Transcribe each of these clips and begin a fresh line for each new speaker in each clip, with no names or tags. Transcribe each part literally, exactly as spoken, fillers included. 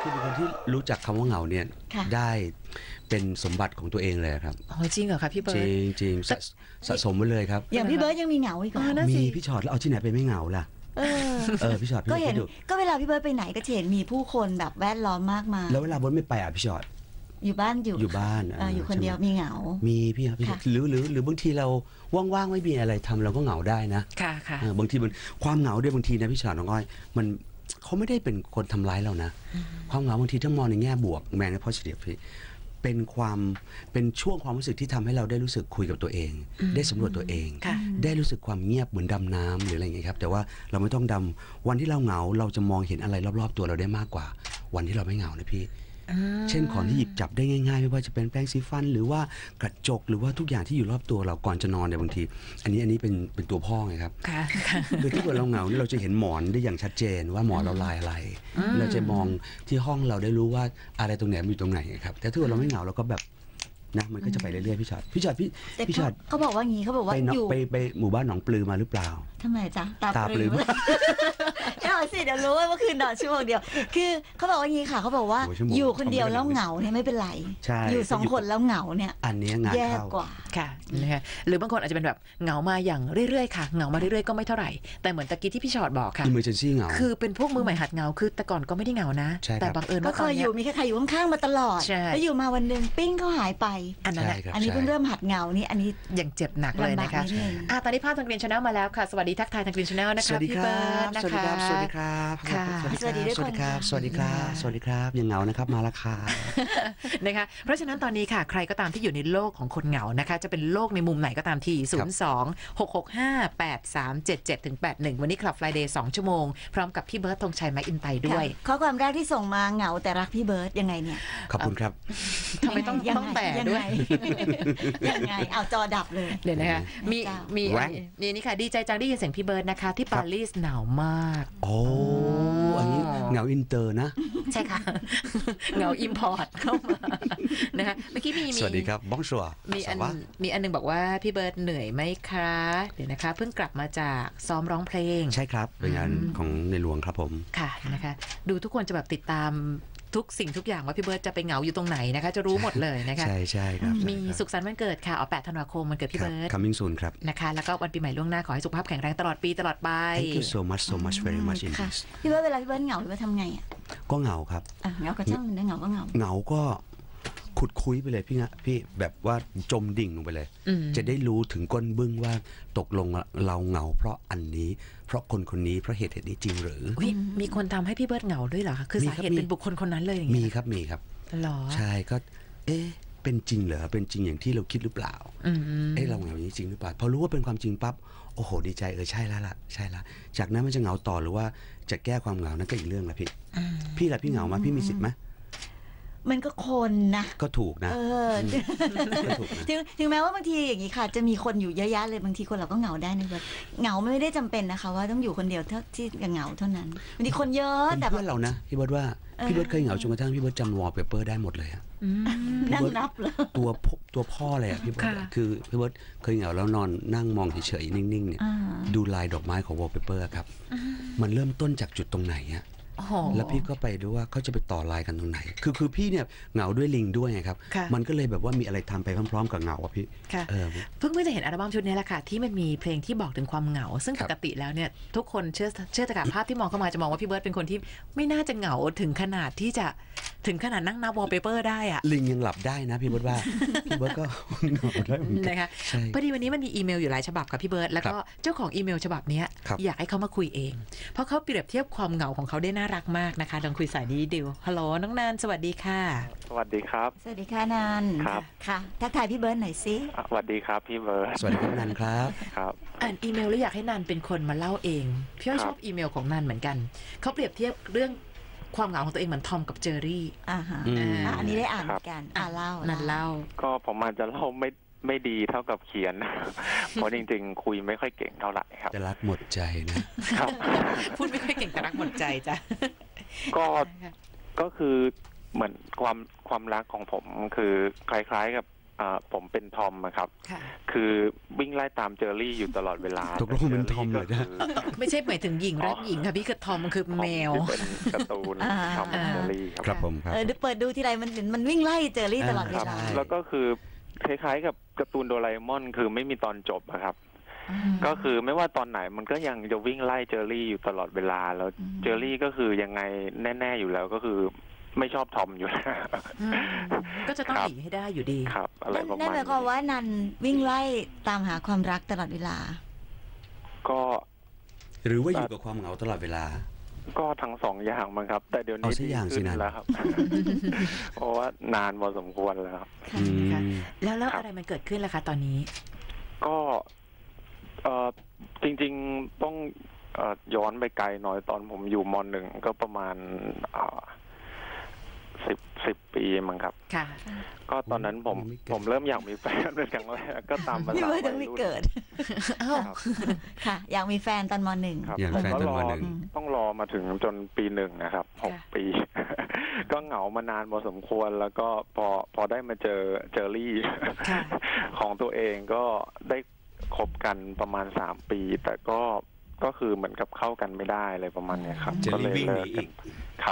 คือเป็นคนที่รู้จักคำว่าเหงาเนี่ยได้เป็นสมบัติของตัวเองเลยครับ
อ๋อจริงเหรอคะพี่เบิร์
จริ
ด
งจริงสะสะสมไว้เลยครับ
อย่างพี่เบิร์ดยังมีเหงาอีกเหรอ
มีพี่ชอตแล้วเอาที่ไหนไปไม่เหงาล่ะ
เออ
เออพี่ชอต
ก็เห็นก็เวลาพี่เบิร์ดไปไหนก็จะเห็นมีผู้คนแบบแวดล้อมมากมาย
แล้วเวลาบดไม่ไปอ่ะพี่ชอต
อยู่บ้านอยู่
อยู่บ้าน
ออยู่คนเดียวมีเหงา
มีพี่ครับพี่หรือหรือหรือบางทีเราว่างๆไม่มีอะไรทำเราก็เหงาได้นะ
ค่ะค่ะ
บางทีมันความเหงาด้วยบางทีนะพี่ชอตน้องอ้อยมันเขาไม่ได้เป็นคนทำร้ายเรานะความเหงาบางทีต้องมองในแง่บวกแมนใน positive พี่เป็นความเป็นช่วงความรู้สึกที่ทำให้เราได้รู้สึกคุยกับตัวเองได้สำรวจตัวเองได้รู้สึกความเงียบเหมือนดำน้ำหรืออะไรอย่างเงี้ยครับแต่ว่าเราไม่ต้องดำวันที่เราเหงาเราจะมองเห็นอะไรรอบๆตัวเราได้มากกว่าวันที่เราไม่เหงานะพี่เช่นของที่หยิบจับได้ง่ายๆไม่ว่าจะเป็นแปรงสีฟันหรือว่ากระจกหรือว่าทุกอย่างที่อยู่รอบตัวเราก่อนจะนอนเนี่ยบางทีอันนี้อันนี้เป็นเป็นตัวพ่อไงครับคือถ้าเกิดเราเหงาเนี่ยเราจะเห็นหมอนได้อย่างชัดเจนว่าหมอนเราลายอะไรเราจะมองที่ห้องเราได้รู้ว่าอะไรตรงไหนอยู่ตรงไหนครับแต่ถ้าเกิดเราไม่เหงาเราก็แบบนะมันก็จะไปเรื่อยๆพี่ชอตพี่ชอตพี่พี่ชอต
เขาบอกว่างี้เขาบอกว่า
อยู่ไปไปหมู่บ้านหนองปลือมาหรือเปล่า
ทำไมจ๊ะ
ตาปลือ
เดี๋ยวสิเดี๋ยวรู้ว่าเมื่อคืนนอนชั่วโมงเดียวคือเขาบอกว่างี้ค่ะเขาบอกว่าอยู่คนเดียวแล้วเหงาเนี่ยไม่เป็นไรอยู่สองคนแล้วเหงาเนี่ย
อันนี้งาน
แย่กว่า
ค่ะนะคะหรือบางคนอาจจะเป็นแบบเหงามาอย่างเรื่อยๆค่ะเหงามาเรื่อยๆก็ไม่เท่าไหร่แต่เหมือนตะกี้ที่พี่ชอตบอกค่ะ
emergency เหงา
คือเป็นพวกมือใหม่หัดเหงาคือแต่ก่อนก็ไม่ได้เหงานะแต่บังเอิญว่า
ก็เคยอยู่มีใครอยู่ข้างๆมาตลอดแล้วอยู่มาวันนึงปิ้งเขาหายไป
อันนั้น
อันนี้เพิ่งเริ่มหัดเหงานี่อันนี้
ยังเจ็บหนักเลยนะคะอ่ะตอนนี้ภาพทางกรีนชาแนลมาแล้วค่ะสวัสดีทักทายทางกรีนชาแนลนะคะพี่เบิร์ดนะคะ
สวัสดีครับสวัสดีครับสวัสดีครับสวัสดีครับสวัสดีครับยังเหงานะครับมาละค่ะ
นะคะเพราะฉะนั้นตอนนี้ค่ะใครก็ตามที่อยู่ในโลกของคนเหงานะคะจะเป็นโลกในมุมไหนก็ตามทีศูนย์ สอง หก หก ห้า แปด สาม เจ็ด เจ็ด ถึง แปด หนึ่งวันนี้คลับ Friday สองชั่วโมงพร้อมกับพี่เบิร์ดธงชัยไม้อินไตด้วย
ข้อความแรกที่ส่งมาเหงาแต่รักพี่เบิร์ดยังไงเนี่ย
ขอบคุณครับ
ทำไมต้องต้องแต่ด้วย
ยังไงเอาจอดับเลย
เดี๋ยวนะคะมีมีนี่นี่ค่ะดีใจจังได้ยินเสียงพี่เบิร์ดนะคะที่ปารีสหนาวมาก
โอ้อันนี้เหงาอินเตอร์นะ
ใช่ค่ะเหงาอิมพอร์ตเข้ามานะคะเมื่อกี้มี
สวัสดีครับบ้องชัว
มีอันมีอันนึงบอกว่าพี่เบิร์ดเหนื่อยไหมคะเดี๋ยวนะคะเพิ่งกลับมาจากซ้อมร้องเพลง
ใช่ครับเป็นงานของในหลวงครับผม
ค่ะนะคะดูทุกคนจะแบบติดตามทุกสิ่งทุกอย่างว่าพี่เบิร์ดจะไปเหงาอยู่ตรงไหนนะคะจะรู้หมดเลยนะคะ
ใช่ใช่ครับ
มีสุขสันต์วันเกิดค่ะเอาแปดธันวาคมวันเกิดพี่เบิร์ด
coming soon ครับ
นะคะแล้วก็วันปีใหม่ล่วงหน้าขอให้สุขภาพแข็งแรงตลอดปีตลอดไป
thank you so much so much very much
indeed พี่เบิร์ดเวลาพี่เบิร์ดเหงาพี่เบิร์ดทำไงอ่ะ
ก็เหงาครับ
เหงาก็ช่างมันได้เหงาก็เหงา
เหงาก็ขุดคุยไปเลยพี่นะพี่แบบว่าจมดิ่งลงไปเลยจะได้รู้ถึงก้นบึ้งว่าตกลงเราเหงาเพราะอันนี้เพราะคนคนนี้เพราะเหตุเหตุนี้จริงหรือ
มีคนทำให้พี่เบิร์ดเหงาด้วยเหรอคะคือสาเหตุเป็นบุคคลคนนั้นเลยอย่างเงี้
ยมีครับมีครับ
หรอ
ใช่ก็เอ๊ะเป็นจริงเหรอเป็นจริงอย่างที่เราคิดหรือเปล่าเอ๊ะเราเหงาอย่างนี้จริงหรือเปล่าพอรู้ว่าเป็นความจริงปั๊บโอ้โหดีใจเออใช่แล้วล่ะใช่ละจากนั้นมันจะเหงาต่อหรือว่าจะแก้ความเหงานั่นก็อีกเรื่องละพี่พี่ล่ะพี่เหงาไหมพี่มีสิทธิ์ไหม
มันก็คนนะ
ก็ถูกนะ
เออถึงถึงแม้ว่าบางทีอย่างนี้ค่ะจะมีคนอยู่เยอะแยะเลยบางทีคนเราก็เหงาได้นะแบบเหงาไม่ได้จำเป็นนะคะว่าต้องอยู่คนเดียวเท่าที่เหงาเท่านั้นบางทีคนเยอะแต่
เพื่อนเรานะพี่เบิร์ดว่าพี่เบิร์ดเคยเหงาจนกระทั่งพี่เบิร์ดจำวอลเปเปอร์ได้หมดเลยอะ
นั่งนับเลย
ตัวตัวพ่อเลยอะพี่เบิร์ดคือพี่เบิร์ดเคยเหงาแล้วนอนนั่งมองเฉยๆนิ่งๆเนี่ยดูลายดอกไม้ของวอลเปเปอร์ครับมันเริ่มต้นจากจุดตรงไหนอะแล้วพี่ก็ไปดูว่าเขาจะไปต่อลายกันตรงไหนคือคือพี่เนี่ยเหงาด้วยลิงด้วยไงครับมันก็เลยแบบว่ามีอะไรทำไปพร้อมๆกับเหงาอ่ะพี่
เพิ่งเพิ่งจะเห็นอัลบั้มชุดนี้แหละค่ะที่มันมีเพลงที่บอกถึงความเหงาซึ่งปกติแล้วเนี่ยทุกคนเชื่อเชื่อจากภาพที่มองเข้ามาจะมองว่าพี่เบิร์ดเป็นคนที่ไม่น่าจะเหงาถึงขนาดที่จะถึงขนาดนั่งนับวอลเปเปอร์ได้อะ
ลิงยังหลับได้นะพี่เบิร์ดว่าพี่เบิร์ดก็เหงาได้เหมือนกัน
นะคะพอดีวันนี้มันมีอีเมลอยู่หลายฉบับกับพี่เบิร์ดแล้วก็เจ้าของอีเมลฉบับนี้อยากให้เขามาคุยเองเพราะเขาเปรียบเทียบความเหงาของเขาได้น่ารักมากนะคะลองคุยสายนี้ดิวฮัลโหลน้องนันสวัสดีค่ะ
สวัสดีครับ
สวัสดีค่ะนัน
ครับ
ค่ะทักทายพี่เบิร์ดหน่อยสิ
สวัสดีครับพี่เบิร์ด
สวัสดีครับนันครับ
ครับ
อ่านอีเมลแล้วอยากให้นันเป็นคนมาเล่าเองพี่อ้อยชอบอีเมลของนันเหมือนกันเขาเปรียบเทียบเรื่องความเหงาของตัวเองเหมือนทอมกับเจอรี่
อ่าฮะอันนี้ได้อ่านเหมือนกันอ่าเล่า
นันเล่า
ก็ผมอาจจะเล่าไม่ไม่ดีเท่ากับเขียนเพราะจริงๆคุยไม่ค่อยเก่งเท่าไหร่ครับ
จะรักหมดใจนะครับ
พูดไม่ค่อยเก่งแต่รักหมดใจจ้ะ
ก็ก็คือเหมือนความความรักของผมคือคล้ายๆกับอ่าผมเป็นทอมอะครับ
ค่ะ
คือวิ่งไล่ตามเจอรี่อยู่ตลอดเวลา
ตกลงเป็นทอมเหรอเนี่ย
ไม่ใช่หมายถึงหญิงรักหญิงค่ะพี่คือทอมมันคือแมว
ที่เป็นการ์ตูน
อ่า
ทอมแอนด์เจอรี่ครับ
ครับผมครับ
เออเปิดดูทีไรมันมันวิ่งไล่เจอรี่ตลอดเว
ครับ
ลา
ใช่
แล้วก็คือคล้ายๆกับการ์ตูนโดราเอมอนคือไม่มีตอนจบอะครับ
อืม
ก็คือไม่ว่าตอนไหนมันก็ยังจะวิ่งไล่เจอรี่อยู่ตลอดเวลา แล้ว
อืม
เจอรี่ก็คือยังไงแน่ๆอยู่แล้วก็คือไม่ชอบทอมอยู่แล้ว
อืมก็จะต้อง
ครับ
หนีให้ได้อยู่ดี
ครับ อะไร
นั่น
ประ
นั่น
มาณ
หมายความ
นี้
ว่านันวิ่งไล่ตามหาความรักตลอดเวลา
ก็
หรือว่าอยู่กับความเหงาตลอดเวลา
ก็ทั้งสองอย่างมั้งครับ แต่เดี๋ยวนี้
เอาสัก
ดี
อย่างสิ
ขึ้น
นัน
แล้วครับ เพราะว่านานพอสมควรแล้วครับ
ค่ะ
อืม
ค่ะ แล้วแล้ว
ครับ
อะไรมันเกิดขึ้นล่ะคะตอนนี้
ก็เออจริงๆต้องเออย้อนไปไกลหน่อยตอนผมอยู่มหนึ่งก็ประมาณสิบสิบปีมั้งครับ
ค่ะ
ก็ตอนนั้นผม
ยังไม่เกิด
ผมเริ่มอยากมีแฟนเป็นครั้งแรกก็ตามภา
พี่
ษา
เบิ
วั
ร์
ย
ดยังไม่
รุ่น
เกิด
อ้าว
ครับ
ค่ะ อยากมีแฟนตอนมหนึ่ง
ครับ
อยากมีแฟน
ผม
ตอน
ร
ม
อ
หนึ่ง
ต้องรอมาถึงจนปีหนึ่งนะครับหก
ค่ะ
ปี ก็เหงามานานพอสมควรแล้วก็พอพอได้มาเจอเจอรี่
ค่ะ
ของตัวเองก็ได้คบกันประมาณสามปี แต่ก็ก็คือเหมือนกับเข้ากันไม่ได้อะไรประมาณเนี้ยครับ
เจอ
ก็
รี่
เลย
วิ่งห
เลิ
นี
ก
อี
กัน
ก
ครับ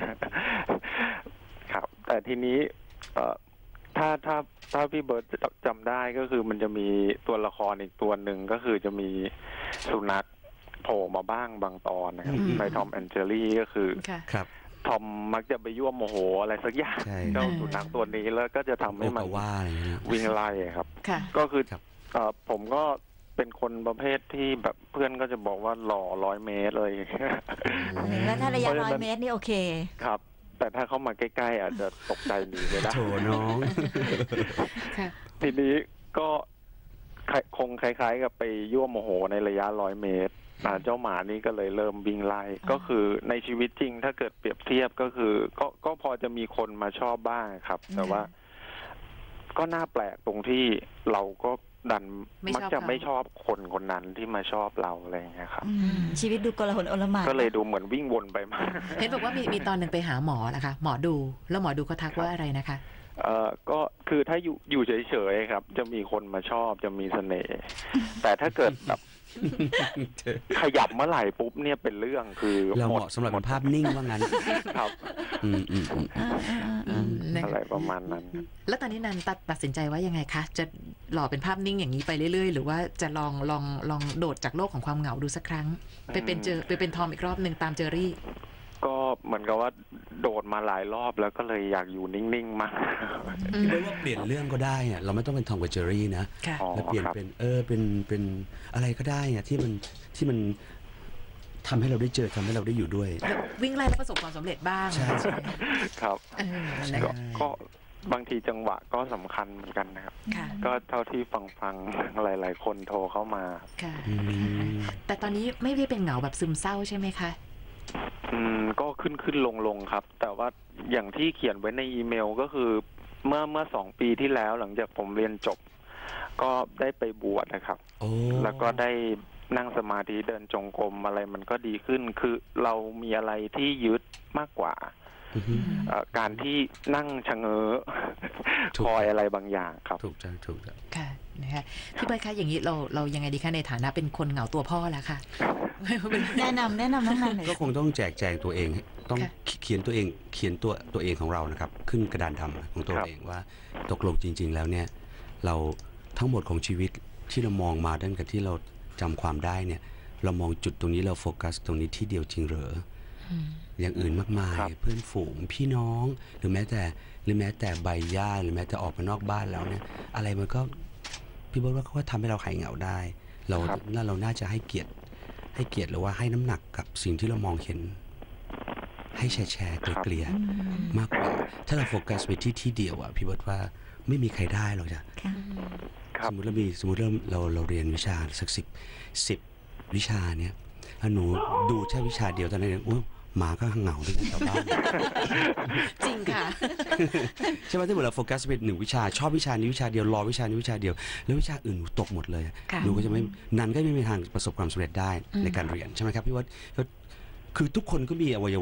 ครับ แต่ทีนี้เอ่อถ้าถ้าถ้าพี่เบิร์ตจำได้ก็คือมันจะมีตัวละครอีกตัวหนึ่งก็คือจะมีสุนัขโผล่มาบ้างบางตอนนะครับ
อืม
ในทอมแอนเจอรี่ก็คือ
ค่ะ
ครับ
ทอมมักจะไปยั่วโมโหอะไรสักอย่าง
ใช่
เจ้าสุนัขตัวนี้แล้วก็จะทำ
โอ
ให้มัน
กาว่าอะไรเงี้ย
วิ่งไล่ครับ
ค่ะ
ก็คือ
ครับ
เอ่อผมก็เป็นคนประเภทที่แบบเพื่อนก็จะบอกว่าหล่อร้อยเมตรเลย
หรือว่าถ้าระยะ
เพราะฉะนั้น
ร้อยเมตรนี่โอเค
ครับ แต่ถ้าเข้ามาใกล้ๆอาจจะตกใจหนีไม่ได้
โถน้อง
ค่ะ
ทีนี้ก็คงคล้ายๆกับไปยั่วโมโหในระยะร้อยเมตรอ่าเจ้าหมานี่ก็เลยเริ่มวิ่งไล่
อ่า
ก็คือในชีวิตจริงถ้าเกิดเปรียบเทียบก็คือ ก็ก็พอจะมีคนมาชอบบ้างครับ แต่ว่า ก็น่าแปลกตรงที่เราก็ดัน
ไม่
มัก
ชอบ
จะ
เขา
ไม่ชอบคนคนนั้นที่มาชอบเราอะไรอย่างเงี้ยครับ
อืมชีวิตดูกลาหนโอลหม่าน
ก็เลยดูเหมือนวิ่งวนไปมา
เห็นบอกว่ามีมีตอนหนึ่งไปหาหมอนะคะ หมอดู แล้วหมอดูเขาทักว่าอะไรนะคะ
เอ่อก็คือถ้าอยู่อยู่เฉยๆครับ จะมีคนมาชอบจะมีเสน่ห์แต่ถ้าเกิดแบบขยับเมื่อไหร่ปุ๊บเนี่ยเป็นเรื่องคือ
เรา
ห
เห
มด
มาะสำหรับเป็นภาพนิ่งว่างั้น
ครับ
อืมอืมอืม
อ่าอ่าอ่า
อื
อ่าม
นะ
อะไรประมาณนั้น
แล้วตอนนี้นันตัดตัดสินใจว่ายังไงคะ จะหล่อเป็นภาพนิ่งอย่างนี้ไปเรื่อยๆ หรือว่าจะลองลองลองโดดจากโลกของความเหงาดูสักครั้ง ไปเป็นเจอไปเป็นทอมอีกรอบหนึ่งตามเจอรี่
ก็เหมือนกับว่าโดดมาหลายรอบแล้วก็เลยอยากอยู่นิ่งๆมาก
อืม
ไม่ว่าเปลี่ยนเรื่องก็ได้อะเราไม่ต้องเป็นทอมกับเจอรี่นะ
ค่ะ
อ๋อ
แล้วเปลี่ยน
ครับ
เป็นเออเป็นเป็นอะไรก็ได้อะที่มันที่มันทำให้เราได้เจอทำให้เราได้อยู่ด้วย
แล้ววิ่งไล่แล้วประสบความสำเร็จบ้าง
ใช่
ใช่ไหม
ครับ
เออนะ
ก็
คะ
ก็บางทีจังหวะก็สำคัญเหมือนกันนะครับ
ค่ะ
ก็เท่าที่ฟังฟังๆ หลาย ๆ คนโทรเข้ามา
ค่ะ
อืม
แต่ตอนนี้ไม่ได้เป็นเหงาแบบซึมเศร้าใช่ไหมคะ
อืมก็ขึ้นขึ้นลงลงครับ แต่ว่าอย่างที่เขียนไว้ในอีเมลก็คือ เมื่อเมื่อสองปีที่แล้วหลังจากผมเรียนจบ ก็ได้ไปบวชนะครับ
โอ้
แล้วก็ได้นั่งสมาธิเดินจงกรมอะไรมันก็ดีขึ้น คือเรามีอะไรที่ยึดมากกว่า
อือฮึ
เอ่อการที่นั่งชะเง้อ
ถูก
คอยอะไรบางอย่างครับ
ถูกจังถูกจัง
ค่ะนะคะพี่เบิร์ดคะอย่างนี้เราเรายังไงดีคะในฐานะเป็นคนเหงาตัวพ่อแล้วค่ะ
แนะนำแนะนำน้องนันหน่อย
ก็คงต้องแจกแจงตัวเอง ต้อง
ค่ะ
เขียนตัวเองเขียนตัวตัวเองของเรานะครับ ขึ้นกระดานดำของตัว
ครับ
เองว่าตกลงจริง ๆ แล้วเนี่ย เราทั้งหมดของชีวิตที่เรามองมาตั้งแต่ที่เราจำความได้เนี่ย เรามองจุดตรงนี้เราโฟกัสตรงนี้ที่เดียวจริงเหรอ
อืม
อย่างอื่นมากมาย
ครับ
เพื่อนฝูงพี่น้อง หรือแม้แต่หรือแม้แต่ใบหญ้าหรือแม้แต่ออกมานอกบ้านแล้วเนี่ย อะไรมันก็พี่บอกว่าเขาก็ทำให้เราหายเหงาได้ เรา
ครับ
น่าเราน่าจะให้เกียรติให้เกียรติหรือว่าให้น้ำหนักกับสิ่งที่เรามองเห็น ให้แชร์แชร์เกลี่ยๆมากกว่า ถ้าเราโฟกัสไปที่ที่เดียวอะพี่บอกว่าไม่มีใครได้หรอกจ้ะ
ค่ะ
ครั
ส
บ
มมติเรามีสมมติเราเราเราเรียนวิชาสักสิบสิบวิชาเนี่ยถ้าหนูดูแค่วิชาเดียวตอนนั้นเนี่ยโอ้หมาก็เหงาด้วยนะแถวบ้าน
จริงค่ะ
ใช่ไหมถ้าเกิดเราโฟกัสไปหนึ่งวิชาชอบวิชานี้วิชาเดียวรอวิชานี้วิชาเดียว แล้ววิชาอื่นหนูตกหมดเลย
ค่ะ
หนูก็จะไม่นันก็ไม่มีทางประสบความสำเร็จได้
อืม
ในการเรียนใช่ไหมครับพี่ว่าคือทุกคนก็มีอวัยวะ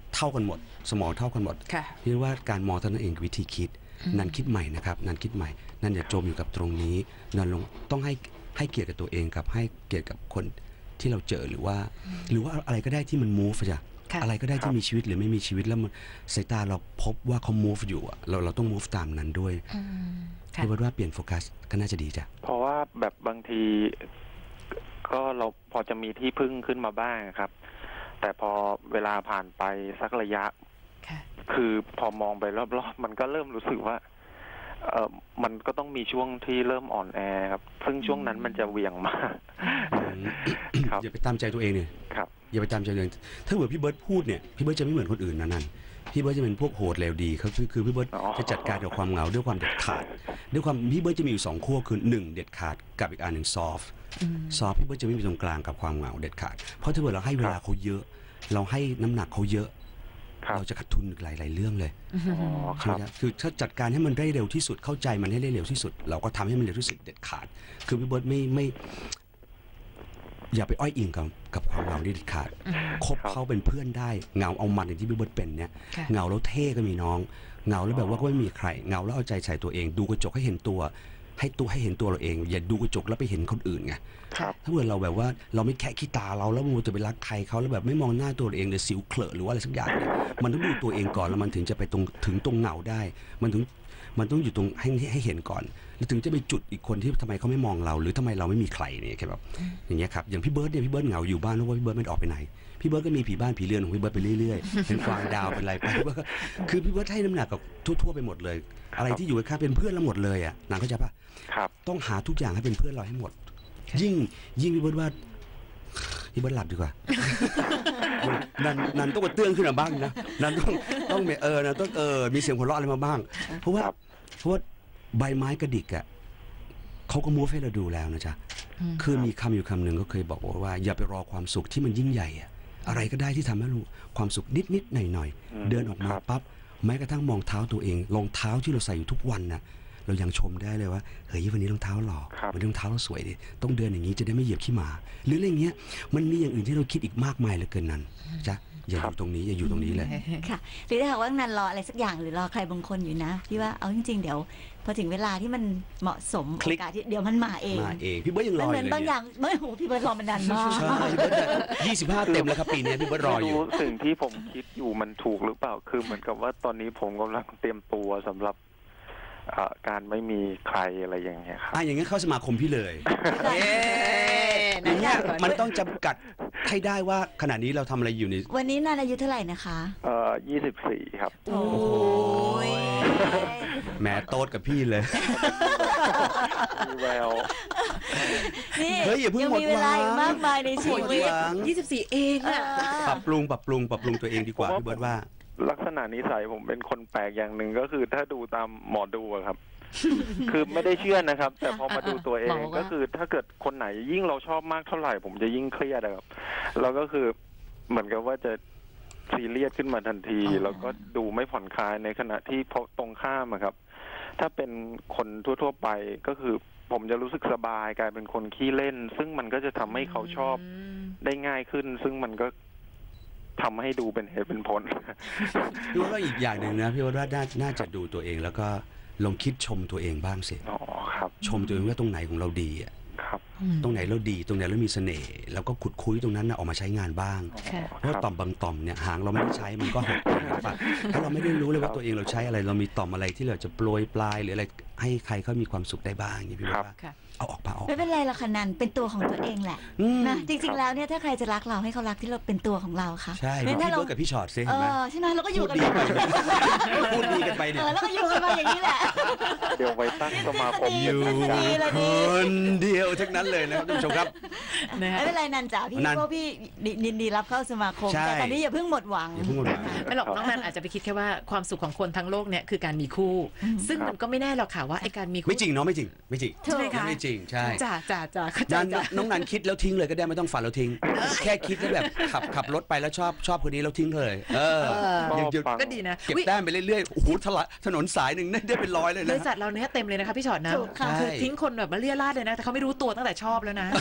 เท่ากันหมด สมองเท่ากันหมด
ค่ะ
พี่ว่าการมองเท่านั้นเองคือวิธีคิด นันคิดใหม่นะครับนันคิดใหม่นันอย่าจมอยู่กับตรงนี้นันลงต้องให้ให้เกียรติกับตัวเองกับให้เกียรติกับคนที่เราเจอหรือว่า หรือว่าอะไรก็ได้ที่มัน move จ้ะ
ค่ะ
อะไรก็ได้ที่มีชีวิตหรือไม่มีชีวิตแล้วมันสายตาเราพบว่าเขา move อยู่อะเราเราต้อง move ตามนั้นด้วย
อืมค่ะ
พี่ว่าเปลี่ยนโฟกัสก็น่าจะดีจ้ะ
เพราะว่าแบบบางทีก็เราพอจะมีที่พึ่งขึ้นมาบ้างครับ แต่พอเวลาผ่านไปสักระยะ
ค่ะ
คือพอมองไปรอบๆมันก็เริ่มรู้สึกว่าเออมันก็ต้องมีช่วงที่เริ่มอ่อนแอครับ ซึ่งช่วงนั้นมันจะเหวี่ยงมาก ครับ
อย่าไปตามใจตัวเองเนี่ย
ครับ
อย่าไปตามใจตัวเองถ้าเกิดพี่เบิร์ดพูดเนี่ยพี่เบิร์ดจะไม่เหมือนคนอื่นนะนั่นพี่เบิร์ดจะเป็นพวกโหดเลวดีเขาคือคือพี่เบิร์ด
อ๋อ
จะจัดการกับความเหงาด้วยความเด็ดขาดด้วยความพี่เบิร์ดจะมีอยู่สองขั้วคือหนึ่งเด็ดขาดกับอีกอันหนึ่งซอฟซอฟพี่เบิร์ดจะไม่มีตรงกลางกับความเหงาเด็ดขาดเพราะถ้าเกิดเราให้เวลาเขาเยอะ เราให้น้ำหนักเขาเยอะ
ครับ
เราจะขาดทุนหลายๆเรื่องเลย
อ๋อค
ใช่ไห
รั
ม
บ
ครับคือถ้าจัดการให้มันได้เร็วที่สุดเข้าใจมันให้ได้เร็วที่สุด เราก็ทำให้มันเร็วที่สุดเด็ดขาด คือพี่เบิร์ดไม่ไม่ อย่าไปอ้อยอิงกับกับความเหงาเด็ดขาดคบ
ครับ
เขาเป็นเพื่อนได้เหงาเอามันอย่างที่พี่เบิร์ดเป็นเนี่ย
ค่ะ
เหงาแล้วเท่ก็มีน้องเหงาแล้วแบบว่าก็ไม่มีใครเหงาแล้วเอาใจใส่ตัวเอง ดูกระจกให้เห็นตัว ให้ตัวให้เห็นตัวเราเอง อย่าดูกระจกแล้วไปเห็นคนอื่นไง
ครับ
ถ้าเกิดเราแบบว่าเราไม่แค่ขี้ตาเราแล้วมัวแต่ไปรักใครเขาแล้วแบบไม่มองหน้าตัวเองเลยสิวเคลอะหรือว่าอะไรสักอย่างเนี่ยมันต้องดูตัวเองก่อนแล้วมันถึงจะไปตรงถึงตรงเหงาได้ มันถึงมันต้องอยู่ตรงให้ให้เห็นก่อนแล้วถึงจะไปจุดอีกคนที่ทำไมเขาไม่มองเรา หรือทำไมเราไม่มีใครเนี่ยแค่แบบอย่างเงี้ยครับอย่างพี่เบิร์ดเนี่ยพี่เบิร์ดเหงาอยู่บ้านเพราะว่าพี่เบิร์ดไม่ได้ออกไปไหนพี่เบิร์ดก็มีผีบ้านผีเรือนของพี่เบิร์ดไปเรื่อยๆเป็นกวางดาวเป็นอะไรไปพี่เบิร์ดก็คือพี่เบิร์ดให้น้ำหนักกับทั่วๆไปหมดเลย อะไรที่อยู่ข้างๆเป็นเพื่อนเราหมดเลยอ่ะนางเข้าใจปะ
ครับ
ต้องหาทุกอย่างให้เป็นเพื่อนเราให้หมด ยิ่งยิ่งพี่เบิร์ดว่าพี่เบิร์ดหลับดีกว่า นันนันต้องกระเตื้องขึ้นมาบ้างนะนันต้องต้องเออนันต้องเออมีเสียงหัวเราะอะไรมาบ้าง เพราะว่า
ครับ
เพราะว่าใบไม้กระดิกอ่ะเขาก็มูฟให้เราดูแล้วนะจ๊ะคือมีคำอยู่คำหนึ่งก็เคยบอกว่า อย่าไปรอความสุขที่มันยิ่งใหญ่อะอะไรก็ได้ที่ทำให้รู้ความสุขนิดนิดหน่อยหน่อยๆ
อืม
เดินออกมา
ครับ
ปั๊บแม้กระทั่งมองเท้าตัวเองรองเท้าที่เราใส่อยู่ทุกวันน่ะ เรายังชมได้เลยว่าเฮ้ยวันนี้รองเท้าหล่อ
ครับ
วันนี้รองเท้าเราสวยดิต้องเดินอย่างนี้จะได้ไม่เหยียบขี้หมา หรืออะไรเงี้ยมันมีอย่างอื่นที่เราคิดอีกมากมายเหลือเกินนั้นจ้ะอย่าอยู่ตรงนี้อย่าอยู่ตรงนี้เลย
ค่ะหรือถ้าหากว่านันรออะไรสักอย่างหรือรอใครบางคนอยู่นะพี่ว่าเอาจริงๆเดี๋ยวพอถึงเวลาที่มันเหมาะสม
ค
โอ
ลิก
กาสที่เดี๋ยวมันมาเอง
มาเองพี่เบิร์ดยังร
มั
อน อ
เหมื
ยู่
อน
เลย
บางอ
เนี่ย
ย่างไม่โหพี่เบิร์ดรอมานานมาก
ใช่พี่เบิร์ดยี่สิบห้าเต็มแล้วครับปีนี้พี่เบิร์ดรออยู่
ไม่สิ่งที่ผมคิดอยู่มันถูกหรือเปล่า คือเหมือนกับว่าตอนนี้ผมกำลังเตรียมตัวสำหรับเอ่อการไม่มีใครอะไรอย่างเงี้ยครับ
อ่ะอย่างงั้นเข้าสมาคมพี่เลยเย้
นะ
เนี่ย
คะ
มันต้องจำกัดให้ได้ว่าขณะนี้เราทำอะไรอยู่ใน
วันนี้นันอายุเท่าไหร่นะคะ
เอ่อยี่สิบสี่ครับ
โอ้ย
แหมโต๊ดกับพี่เลย
มีแวว
นี่
เฮ้ยอย่าเพิ่ง
ยัง
หมด
มีเวลา
หวัง
อีกมากมายในชี
หมด
วิต
หวัง
ยี่สิบสี่เองอะ
ปรับปรุงปรับปรุงปรับปรุงตัวเองดีกว่าพี่เบิร์ดว่า
ลักษณะนิสัยผมเป็นคนแปลกอย่างหนึ่งก็คือถ้าดูตามหมอดูอะครับ คือไม่ได้เชื่อนะครับ แต่พอมาดูตัวเอง
หมอว่า
ก็คือถ้าเกิดคนไหนยิ่งเราชอบมากเท่าไหร่ ผมจะยิ่งเครียดอะครับแล้วก็คือเหมือนกับว่าจะซีเรียสขึ้นมาทันที แล้วก็ดูไม่ผ่อนคลายในขณะที่พอตรงข้ามอะครับ ถ้าเป็นคนทั่วๆไปก็คือ ผมจะรู้สึกสบายกลายเป็นคนขี้เล่น ซึ่งมันก็จะทำให้เขาชอบได้ง่ายขึ้น ซึ่งมันก็ทำให้ดูเป็นเหตุเป็นผล
พี่ว่าอีกอย่างหนึ่งนะพี่ว่าน่าน่าจะดูตัวเองแล้วก็ลองคิดชมตัวเองบ้างสิ
อ๋อครับ
ชมตัวเองว่าตรงไหนของเราดีอะ
ครับ
ตรงไหนเราดีตรงไหนเรามีเสน่ห์แล้วก็ขุดคุยตรงนั้นนะออกมาใช้งานบ้าง
ค่ะ
เพราะว่าต่อมบางต่อมเนี่ยหางเราไม่ได้ใช้มันก็หดไปปะถ้าเราไม่ได้รู้เลยว่าตัวเองเราใช้อะไรเรามีต่อมอะไรที่เราจะโปรยปลายหรืออะไรให้ใครเขามีความสุขได้บ้างอย่างนี้พี่ว่า
ค่ะ
เอาออกมาเอาออก
ไม่เป็นไรหรอกค่ะนันเป็นตัวของตัวเองแหละ
อืม
นะจริงๆแล้วเนี่ยถ้าใครจะรักเราให้เขารักที่เราเป็นตัวของเราค่ะ
ใช่
ไม่
พี่
ถ้าเรา
เบิร์ดกับพี่ชอตซิ
เอ
เห็นไหม
อใช่ไหมเราก็อยู่
พูด
กัน
ดี
แบบ
ไปพูดดีกันไป
เอ
เนี่ย
อแล้วก็อยู่กันมาอย่างนี้แหละ
เดี๋ยวไว้ตั้งสมาคม
อยู่
ดีเลย
คนเดียวทั้งนั้นเลยนะครับท่านผู้ชมครับ
นะฮะ
ไม่เป็นไรนันจ๋าพี่
นัน
พวกพี่ยินดีรับเข้าสมาคม
ใช่
แต่ตอนนี้อย่าเพิ่งหมดหวัง
อย่าเพิ่งหมดหวัง
ไม่หรอกน้องนันอาจจะไปคิดแค่ว่าความสุขของคนทั้งโลกเนี่ยคือการมีคู่ ซึ่งมันก็ไม่แน่หรอกค่ะว่าไอการมีคู่
ไม่จริงเนาะไม่จริงไม่จริง
ใช่ไหมคะ
ไม่จริงใช่
จ้าจ้าจ้าเข้าใจ
นัน
จ้ะ
น้องนันคิดแล้วทิ้งเลยก็ได้ไม่ต้องฝันแล้วทิ้ง แค่คิดแล้วแบบขับขับรถไปแล้วชอบชอบคนนี้แล้วทิ้งเลย เออ
เออ
ยังจะ
ก็ดีนะ
เก็บ
อุ๊ย
แต้มไปเรื่อยๆโอ้โหถละถนนสายหนึ่งได้เป็นร้อยเลย
บ
นะ
ริษัทเราเนี้ยเต็มเลยนะคะพี่ชอตนะ
ถูกค่ะ
คือทิ้งคนแบบมาเลี่ยราดเลยนะ แต่เขาไม่รู้ตัวตั้งแต่ชอบแล้วนะ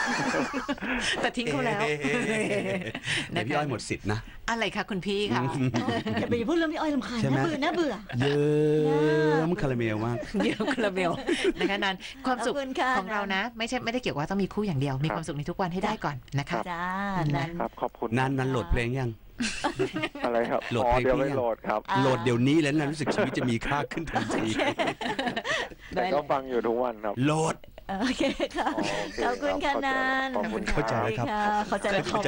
แต่ทิ้งเขาแล้ว
เดี๋ยวพี่อ้อยหมดสิทธิ์นะ
อะไรคะคุณพี่คะ
อย่าไปพูดเรื่องพี่อ้อยลำคาญ
ใช่ไหม
น่าเบื่อน่าเบื่อ
เยิ้มคาราเมลมาก
เดี๋ยวคาราเมลนะคะนันความสุข
ขอบคุณค่ะ
ของเรานะ ไม่ใช่ไม่ได้เกี่ยวว่าต้องมีคู่อย่างเดียว มีความสุขในทุกวันให้ได้ก่อนนะคะ
จ้านั้น
ครับขอบคุณ
นันนันโหลดเพลงยัง
อะไรครับ
โหลด
อ๋อ
เพลง
เดี๋ยวไป
พี่ยัง
โหลดครับ
อ่า
โหลดเดี๋ยวนี้แล้วนันรู้สึกชีวิตจะมีค่าขึ้นทันที
แต่ก็ฟังอยู่ทุกวันครับ
โหลด
โอเคค่ะ
อ๋อโอเค
ขอบคุณค่ะ
ครับ
นัน
ขอบคุณ
เข้าใจแล้วครับ
เข้าใจแล้วครับ